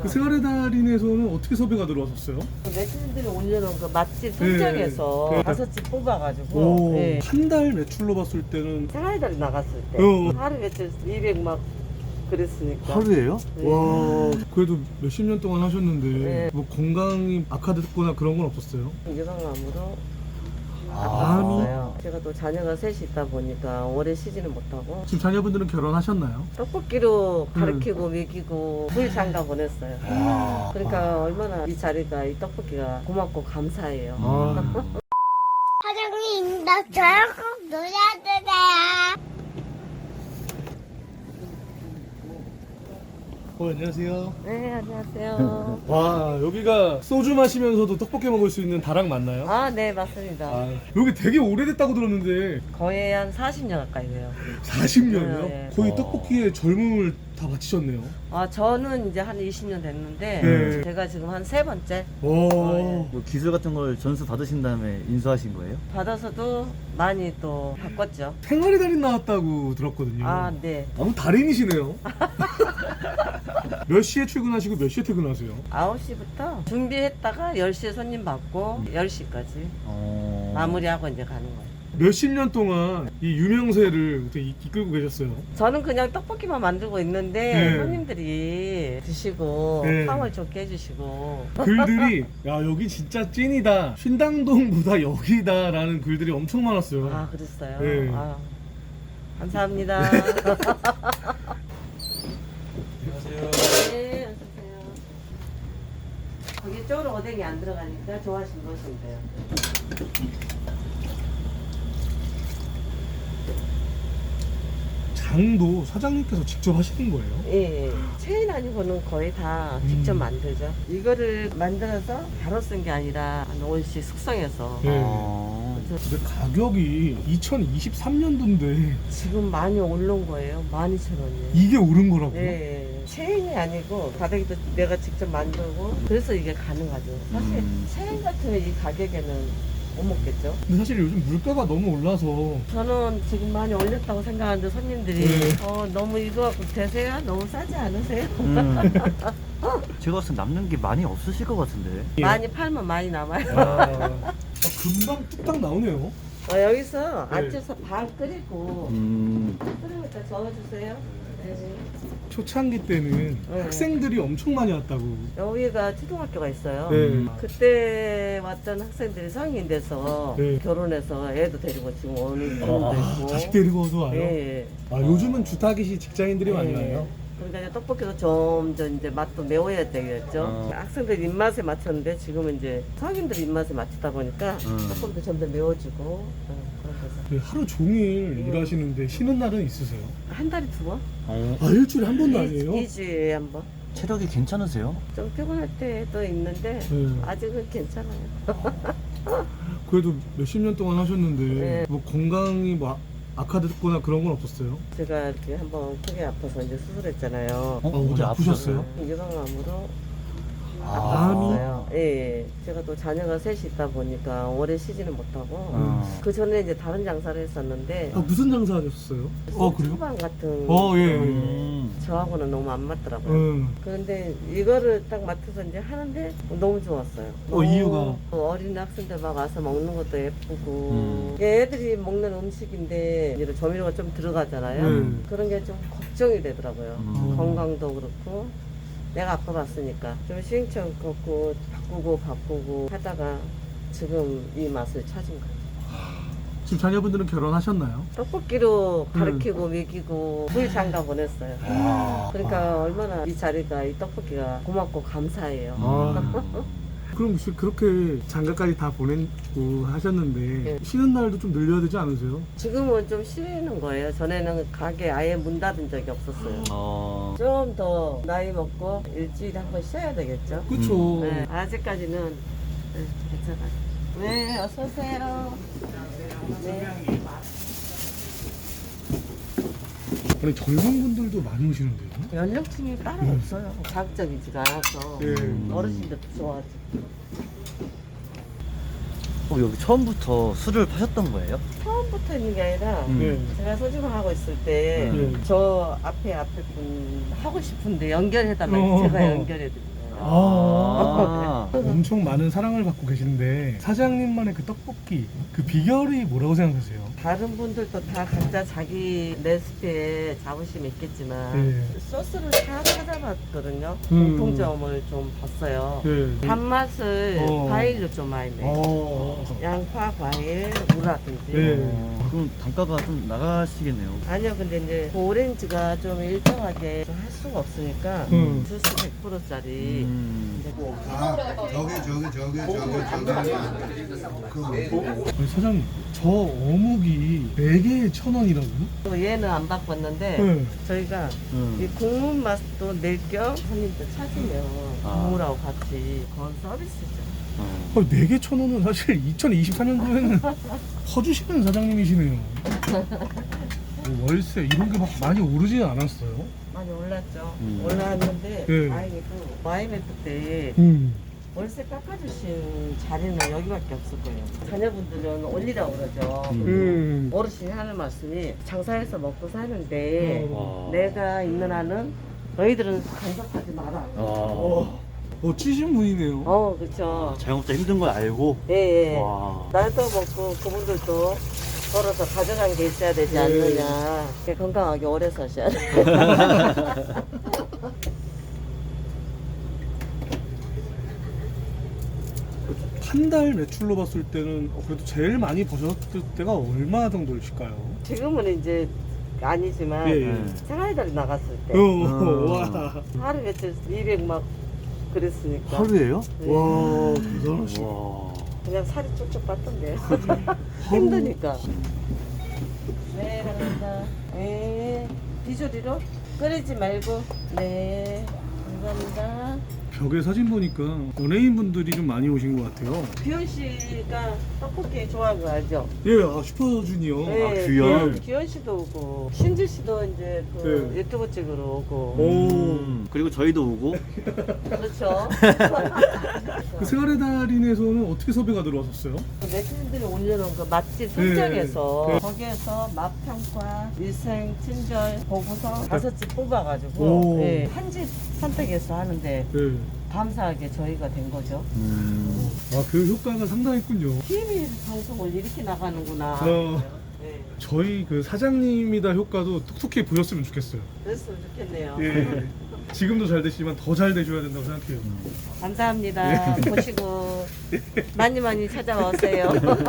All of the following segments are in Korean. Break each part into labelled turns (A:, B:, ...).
A: 그 생활의 달인에서는 어떻게 섭외가 들어왔었어요?
B: 매출들이 올려놓은 그 맛집 선정에서
A: 네.
B: 5집 뽑아가지고
A: 오,
B: 네.
A: 한 달 매출로 봤을 때는
B: 생활달이 나갔을 때 하루 매출 200 막 그랬으니까.
C: 하루예요?
B: 네.
A: 와, 그래도 몇십 년 동안 하셨는데
B: 네.
A: 뭐 건강이 악화됐거나 그런 건 없었어요?
B: 유방암으로
A: 암이?
B: 아팠어요. 제가 또 자녀가 셋이 있다 보니까 오래 쉬지는 못하고
A: 지금 자녀분들은 결혼하셨나요?
B: 떡볶이로 가르치고 먹이고 물 장가 보냈어요. 그러니까 얼마나 이 자리가 이 떡볶이가 고맙고 감사해요.
A: 아,
D: 사장님, 나 저랑 꼭 놀아주세요.
A: 안녕하세요.
B: 네, 안녕하세요.
A: 와, 여기가 소주 마시면서도 떡볶이 먹을 수 있는 다락 맞나요?
B: 아, 네, 맞습니다.
A: 아, 여기 되게 오래됐다고 들었는데
B: 거의 한 40년 가까이 돼요.
A: 40년이요?
B: 네.
A: 거의 떡볶이에 젊음을 다 바치셨네요.
B: 아, 저는 이제 한 20년 됐는데
A: 네.
B: 제가 지금 한 3번째
A: 와,
B: 예.
C: 뭐 기술 같은 걸 전수 받으신 다음에 인수하신 거예요?
B: 받아서도 많이 또 바꿨죠.
A: 생활의 달인 나왔다고 들었거든요.
B: 아, 네.
A: 아무 달인이시네요. 몇 시에 출근하시고 몇 시에 퇴근하세요?
B: 9시부터 준비했다가 10시에 손님 받고 10시까지 마무리하고 이제 가는 거예요.
A: 몇십 년 동안 이 유명세를 어떻게 이끌고 계셨어요?
B: 저는 그냥 떡볶이만 만들고 있는데
A: 네.
B: 손님들이 드시고
A: 네.
B: 상을 좋게 해주시고
A: 글들이 야 여기 진짜 찐이다, 신당동보다 여기다라는 글들이 엄청 많았어요.
B: 아, 그랬어요?
A: 네.
B: 아, 감사합니다.
A: 안녕하세요.
B: 네, 어서오세요. 거기 쪽으로 오뎅이 안 들어가니까 좋아하시면 넣으시면 돼요.
A: 장도 사장님께서 직접 하시는 거예요?
B: 예, 체인 아니고는 거의 다 직접 만들죠. 이거를 만들어서 바로 쓴 게 아니라 한 5일씩 숙성해서.
A: 네.
B: 그래서
A: 근데 가격이 2023년도인데
B: 지금 많이 오른 거예요. 12,000원이에요.
A: 이게 오른 거라고요?
B: 네, 체인이 아니고 가격도 내가 직접 만들고 그래서 이게 가능하죠. 사실 체인 같으면 이 가격에는 못 먹겠죠.
A: 근데 사실 요즘 물가가 너무 올라서
B: 저는 지금 많이 올렸다고 생각하는데 손님들이
A: 네.
B: 너무 이거 갖고 되세요? 너무 싸지 않으세요?
C: 제가 봤을 때 남는 게 많이 없으실 것 같은데.
B: 많이 팔면 많이 남아요.
A: 금방 뚝딱 나오네요.
B: 여기서
A: 네.
B: 앉아서 반 끓이고 끓이고 있다 저어주세요. 네.
A: 초창기 때는
B: 네.
A: 학생들이 엄청 많이 왔다고.
B: 여기가 초등학교가 있어요.
A: 네.
B: 그때 왔던 학생들이 성인 돼서
A: 네.
B: 결혼해서 애도 데리고 지금 오는 분도 있고.
A: 자식 데리고도 와요?
B: 예.
A: 아, 요즘은 주타기시 직장인들이 많이 와요?
B: 그러니까 이제 떡볶이도 점점 이제 맛도 매워야 되겠죠. 학생들 입맛에 맞췄는데 지금은 이제 성인들 입맛에 맞추다 보니까 조금 더 점점 매워지고 그런 거죠.
A: 네, 하루 종일 일하시는데 쉬는 날은 있으세요?
B: 한 달에 2번?
A: 아, 일주일에 한 번도 아니에요?
B: 2주에 한 번.
C: 체력이 괜찮으세요?
B: 좀 피곤할 때도 있는데
A: 네.
B: 아직은 괜찮아요.
A: 그래도 몇십 년 동안 하셨는데
B: 네.
A: 뭐 건강이 뭐 악화됐거나 그런 건 없었어요?
B: 제가 이렇게 한번 크게 아파서 이제 수술했잖아요.
A: 어제 아프셨어요?
B: 유방암으로
A: 암이?
B: 아팠어요. 예. 제가 또 자녀가 셋이 있다 보니까 오래 쉬지는 못하고 그 전에 이제 다른 장사를 했었는데
A: 아, 무슨 장사 하셨어요? 그래요?
B: 소주방 같은
A: 예.
B: 저하고는 너무 안 맞더라고요.
A: 음.
B: 그런데 이거를 딱 맡아서 이제 하는데 너무 좋았어요.
A: 이유가?
B: 어린 학생들 막 와서 먹는 것도 예쁘고 애들이 먹는 음식인데 이제 조미료가 좀 들어가잖아요. 그런 게 좀 걱정이 되더라고요. 건강도 그렇고 내가 아파봤으니까 좀 시행착오 걷고 바꾸고 하다가 지금 이 맛을 찾은 거예요.
A: 지금 자녀분들은 결혼하셨나요?
B: 떡볶이로 가르치고 먹이고 물 장가 보냈어요. 그러니까 얼마나 이 자리가 이 떡볶이가 고맙고 감사해요.
A: 그럼 그렇게 장가까지 다 보내고 하셨는데
B: 네.
A: 쉬는 날도 좀 늘려야 되지 않으세요?
B: 지금은 좀 쉬는 거예요. 전에는 가게 아예 문 닫은 적이 없었어요. 좀 더 나이 먹고 일주일에 한 번 쉬어야 되겠죠.
A: 그렇죠.
B: 네, 아직까지는 네, 괜찮아요. 네, 어서 오세요. 네.
A: 아니 젊은 분들도 많이 오시는데요?
B: 연령층이 따로 없어요. 자극적이지가 않아서
A: 네.
B: 어르신들도 좋아하지.
C: 여기 처음부터 술을 파셨던 거예요?
B: 처음부터 있는 게 아니라
A: 네.
B: 제가 소주방 하고 있을 때
A: 네.
B: 저 앞에 분 하고 싶은데 연결해달라고 제가 연결해드린 거예요.
A: 아, 엄청 많은 사랑을 받고 계신데 사장님만의 그 떡볶이 그 비결이 뭐라고 생각하세요?
B: 다른 분들도 다 각자 자기 레시피에 자부심이 있겠지만
A: 네.
B: 소스를 다 찾아봤거든요.
A: 음.
B: 공통점을 좀 봤어요.
A: 네.
B: 단맛을 과일로 좀 많이 내요. 양파, 과일, 무라든지.
A: 네.
C: 그럼 단가가 좀 나가시겠네요.
B: 아니요, 근데 이제 그 오렌지가 좀 일정하게 좀 할 수가 없으니까 주스 100%짜리.
E: 아, 저기 하면 안 돼.
A: 아니, 사장님 저 어묵이 4개에 1,000원이라고요?
B: 또 얘는 안 바꿨는데
A: 네.
B: 저희가 이 국물 맛도 낼 겸 손님들 찾으면 국물하고 같이 그건 서비스죠.
A: 4개 1,000원은 사실 2024년도에는 퍼주시는 사장님이시네요. 월세 이런 게 막 많이 오르지는 않았어요?
B: 많이 올랐죠. 올랐는데
A: 네.
B: 다행히도 와이메트 때 월세 깎아주신 자리는 여기밖에 없을 거예요. 자녀분들은 올리라고 그러죠. 어르신이 하는 말씀이 장사해서 먹고 사는데 내가 있는 한은 너희들은 간섭하지 마라.
A: 찌신 분이네요.
B: 그렇죠.
C: 자영업자 힘든 걸 알고.
B: 예, 예.
C: 와.
B: 나도 먹고 그분들도 걸어서 가져간 게 있어야 되지 않느냐. 건강하게 오래 사셔야 돼.
A: 한 달 매출로 봤을 때는 그래도 제일 많이 버셨을 때가 얼마 정도일까요?
B: 지금은 이제 아니지만
A: 예.
B: 생활달이 나갔을 때
A: 와.
B: 하루 며칠 200 막 그랬으니까
C: 하루예요?
B: 네.
A: 와, 대단하시다.
C: 와.
B: 그냥 살이 쭉쭉 빠던데 힘드니까. 네, 감사합니다. 네, 비조리로 끓이지 말고. 네, 감사합니다.
A: 벽에 사진 보니까 연예인 분들이 좀 많이 오신 것 같아요.
B: 규현 씨가 떡볶이 좋아하는 거 알죠?
A: 예, 슈퍼주니어.
B: 네,
C: 규현.
B: 규현 씨도 오고 신지 씨도 이제 그
A: 네.
B: 유튜브 찍으러 오고.
C: 그리고 저희도 오고.
B: 그렇죠.
A: 그 생활의 달인에서는 어떻게 섭외가 들어왔었어요?
B: 네티즌들이 올려놓은 그 맛집 선정에서 거기에서 맛평가, 위생, 친절, 보고서 5집 뽑아가지고
A: 오.
B: 네, 한 집 선택해서 하는데
A: 네.
B: 감사하게 저희가 된 거죠.
A: 아, 그 효과가 상당했군요.
B: TV 방송을 이렇게 나가는구나. 네,
A: 저희 그 사장님이다 효과도 톡톡히 보였으면 좋겠어요.
B: 그랬으면 좋겠네요.
A: 예. 지금도 잘 되시지만 더 잘 되셔야 된다고 생각해요.
B: 감사합니다. 보시고 많이 많이 찾아오세요.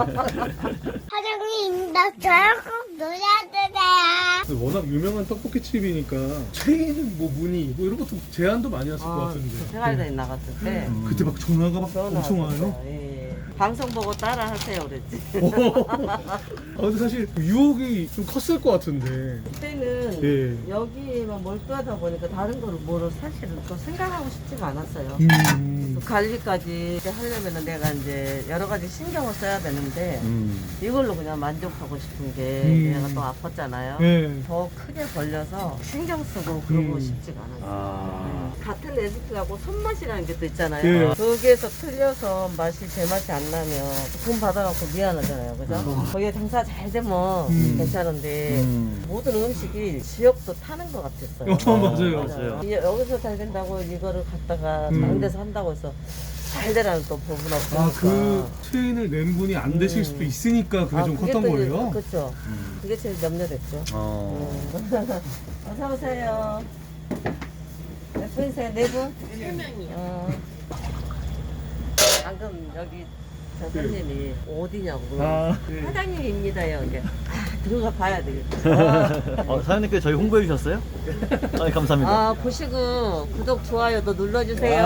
D: 사장님, 나 저랑 꼭 놀아주세요.
A: 근데 워낙 유명한 떡볶이 집이니까 체인 뭐 문의 뭐 이런 것도 제안도 많이 왔을 것 같은데.
B: 생활다니 나갔을 때
A: 그때 막 전화가 막
B: 전화
A: 엄청
B: 왔었어요.
A: 와요.
B: 예. 방송 보고 따라 하세요 그랬지.
A: 근데 사실 그 유혹이 좀 컸을 것 같은데.
B: 그때는
A: 예.
B: 여기만 몰두하다 보니까 다른 거를 뭐를 사실은 또 생각하고 싶지가 않았어요. 관리까지 하려면 내가 이제 여러 가지 신경을 써야 되는데 이걸로 그냥 만족하고 싶은 게 내가 또 아팠잖아요.
A: 네.
B: 더 크게 벌려서 신경 쓰고 그러고 싶지가 않았어요. 같은 레시피하고 손맛이라는 게 또 있잖아요.
A: 예.
B: 거기에서 틀려서 맛이 제 맛이 안 나면 돈 받아갖고 미안하잖아요. 그죠? 거기에 장사 잘 되면 괜찮은데 모든 음식이 지역도 타는 것 같았어요.
A: 맞아요.
B: 여기서 잘 된다고 이거를 갖다가 다른 데서 한다고 해서 잘 되라는 또 부분 없으니까.
A: 아, 그 체인을 낸 분이 안 되실 수도 있으니까 그게 좀 컸던 거예요?
B: 그렇죠. 그게 제일 염려됐죠. 어서 오세요. 몇 분이세요? 4분? 3명이요. 방금 여기 저 손님이 어디냐고 물어봤어요. 사장님입니다 여기. 들어가 봐야 되겠다.
C: 사장님께서 저희 홍보해 주셨어요? 감사합니다.
B: 보시고 구독, 좋아요도 눌러주세요.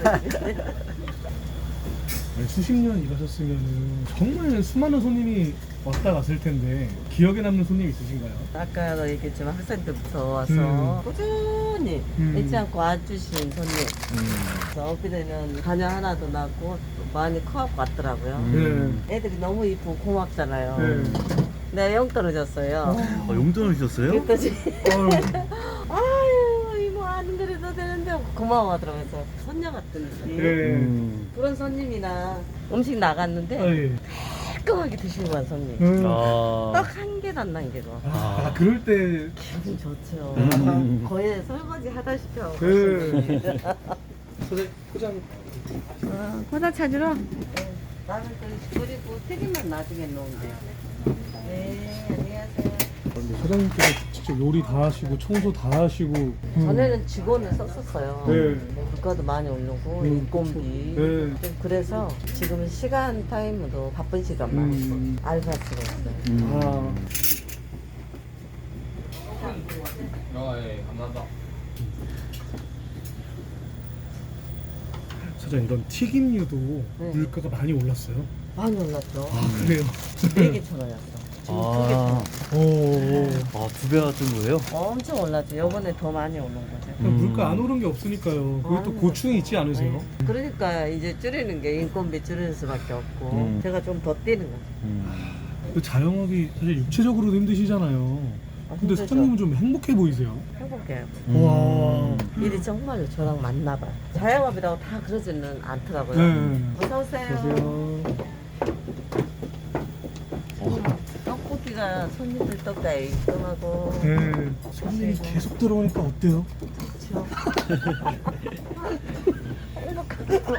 A: 아니, 수십 년 일하셨으면 정말 수많은 손님이 왔다 갔을 텐데 기억에 남는 손님 있으신가요?
B: 아까도 얘기했지만 학생 때부터 와서 꾸준히 잊지 않고 와주신 손님. 그래서 엊그제는 자녀 하나도 낳고 많이 커갖고 왔더라고요. 애들이 너무 이쁘고 고맙잖아요. 내가 영 떨어졌어요.
C: 용돈을 주셨어요?
B: 그랬더니 아유 이모 안 그래도 되는데 고마워하더라고요. 그래서 손녀 같은 느낌. 그런 손님이나 음식 나갔는데 깔끔하게 드시고 간 손님. 떡 한 개도 안 남기고.
A: 그럴 때
B: 기분 좋죠. 거의 설거지 하다시피 하고.
A: 사장님 포장.
B: 포장 찾으러? 나는 그리고 튀김만 나중에 넣으면 네, 안녕하세요.
A: 근데 사장님께서 직접 요리 다 하시고 청소 다 하시고.
B: 전에는 직원을 썼었어요.
A: 네.
B: 물가도 많이 오르고 인건비.
A: 네.
B: 좀 그래서 지금은 시간 타임으로 바쁜 시간만 알바스가 있어요.
A: 아. 사장님 이런 튀김류도
B: 네.
A: 물가가 많이 올랐어요.
B: 많이 올랐죠.
A: 아 그래요?
B: 4개,000원이었어. 지금
C: 아,
A: 오.
C: 아, 두 배가 뜬 거예요?
B: 엄청 올랐죠. 요번에 더 많이 오른 거죠.
A: 물가 안 오른 게 없으니까요. 그리고 또 고충이 있지 않으세요?
B: 그러니까 이제 줄이는 게 인건비 줄이는 수밖에 없고 제가 좀 더 뛰는 거죠.
A: 그 자영업이 사실 육체적으로도 힘드시잖아요. 근데
B: 힘들죠.
A: 사장님은 좀 행복해 보이세요.
B: 행복해요.
A: 와.
B: 일이 정말로 저랑 맞나 봐요. 자영업이라고 다 그러지는 않더라고요.
A: 네.
B: 어서 오세요.
A: 안녕하세요.
B: 떡볶이가 손님들 떡가에 입금하고
A: 네. 손님이 계속 들어오니까 어때요?
B: 그렇죠. 행복하고.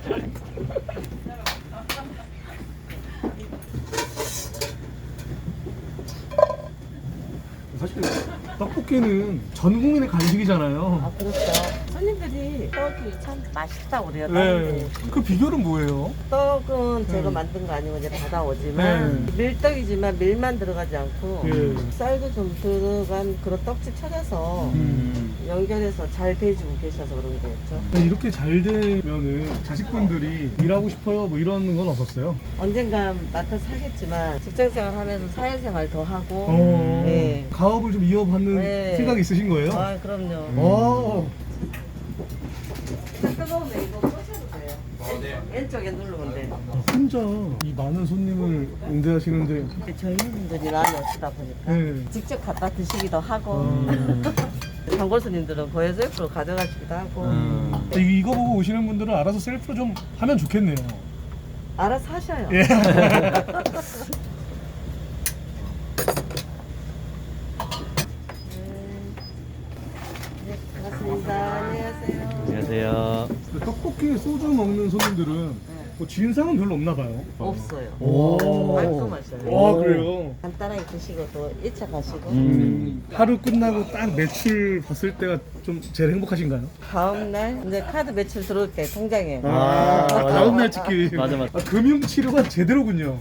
A: 사실 떡볶이는 전 국민의 간식이잖아요.
B: 아 그렇죠. 손님들이 떡이 참 맛있다고 그래요.
A: 네. 그 비결은 뭐예요?
B: 떡은 제가 만든 거 아니고 이제 받아오지만 밀떡이지만 밀만 들어가지 않고
A: 네.
B: 쌀도 좀 들어간 그런 떡집 찾아서 연결해서 잘 배주고 계셔서 그런 거겠죠.
A: 이렇게 잘 되면은 자식분들이 일하고 싶어요 뭐 이런 건 없었어요?
B: 언젠가 맡아서 하겠지만 직장생활 하면서 사회생활 더 하고 네.
A: 가업을 좀 이어받는
B: 네.
A: 생각이 있으신 거예요?
B: 아 그럼요.
A: 오.
B: 뜨거우면 이거 꽂혀도 돼요. 왼쪽에 누르면 돼요.
A: 혼자 이 많은 손님을 응대하시는데
B: 저희 분들이 많이 오시다 보니까
A: 네.
B: 직접 갖다 드시기도 하고 단골 손님들은 거의 셀프로 가져가시기도 하고
A: 이거 보고 오시는 분들은 알아서 셀프로 좀 하면 좋겠네요.
B: 알아서 하셔요.
A: 예.
B: 네, 반갑습니다. 안녕하세요.
C: 안녕하세요.
A: 떡볶이에 소주 먹는 손님들은 뭐 진상은 별로 없나 봐요.
B: 없어요.
A: 오.
B: 깔끔하셔요.
A: 와 그래요?
B: 간단하게 드시고 또 1차 가시고
A: 하루 끝나고 딱 매출 봤을 때가 좀 제일 행복하신가요?
B: 다음날 이제 카드 매출 들어올 때 통장에
A: 다음날 찍기.
C: 맞아.
A: 금융 치료가 제대로군요.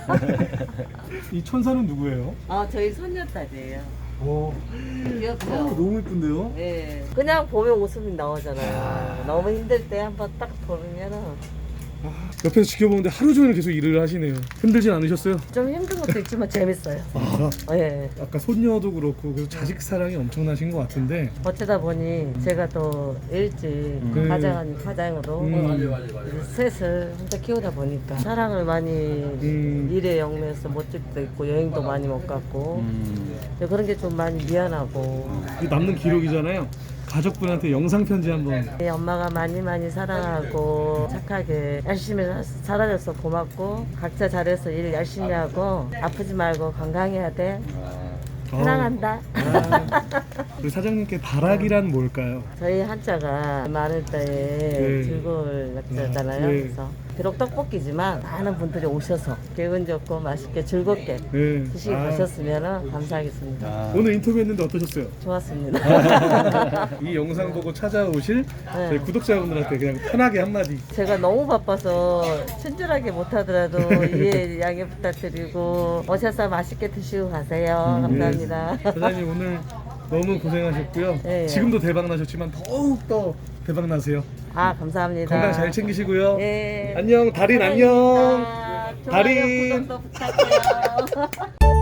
A: 이 천사는 누구예요?
B: 저희 손녀딸이에요.
A: 오,
B: 귀엽죠?
A: 너무 예쁜데요?
B: 네. 그냥 보면 웃음이 나오잖아요. 너무 힘들 때 한번 딱 보면은
A: 옆에서 지켜보는데 하루 종일 계속 일을 하시네요. 힘들진 않으셨어요?
B: 좀 힘든 것도 있지만 재밌어요. 예.
A: 아까 손녀도 그렇고 그래서 자식 사랑이 엄청나신 것 같은데
B: 어쩌다 보니 제가 또 일찍 가장으로 셋을 혼자 키우다 보니까 사랑을 많이 일에 영매해서 못 찍도 있고 여행도 많이 못 갔고 그런 게 좀 많이 미안하고
A: 이 남는 기록이잖아요. 가족분한테 영상 편지 한번.
B: 엄마가 많이 사랑하고 착하게 열심히 살아줘서 고맙고 각자 잘해서 일 열심히 하고 아프지 말고 건강해야 돼. 사랑한다.
A: 우리 사장님께 다락이란 뭘까요?
B: 저희 한자가 많을 때에 즐거울 약자잖아요.
A: 네.
B: 그래서 비록 떡볶이지만 많은 분들이 오셔서 기분 좋고 맛있게 즐겁게
A: 네.
B: 드시고 가셨으면 감사하겠습니다.
A: 오늘 인터뷰했는데 어떠셨어요?
B: 좋았습니다.
A: 이 영상 보고 찾아오실
B: 네.
A: 저희 구독자분들한테 그냥 편하게 한마디.
B: 제가 너무 바빠서 친절하게 못하더라도 이해 양해 부탁드리고 오셔서 맛있게 드시고 가세요. 감사합니다.
A: 사장님 오늘 너무 고생하셨고요.
B: 네.
A: 지금도 대박 나셨지만 더욱 더 대박 나세요.
B: 감사합니다.
A: 건강 잘 챙기시고요.
B: 네.
A: 안녕 달인 안녕.
B: 좋아요,
A: 달인.
B: 구독도 부탁해요.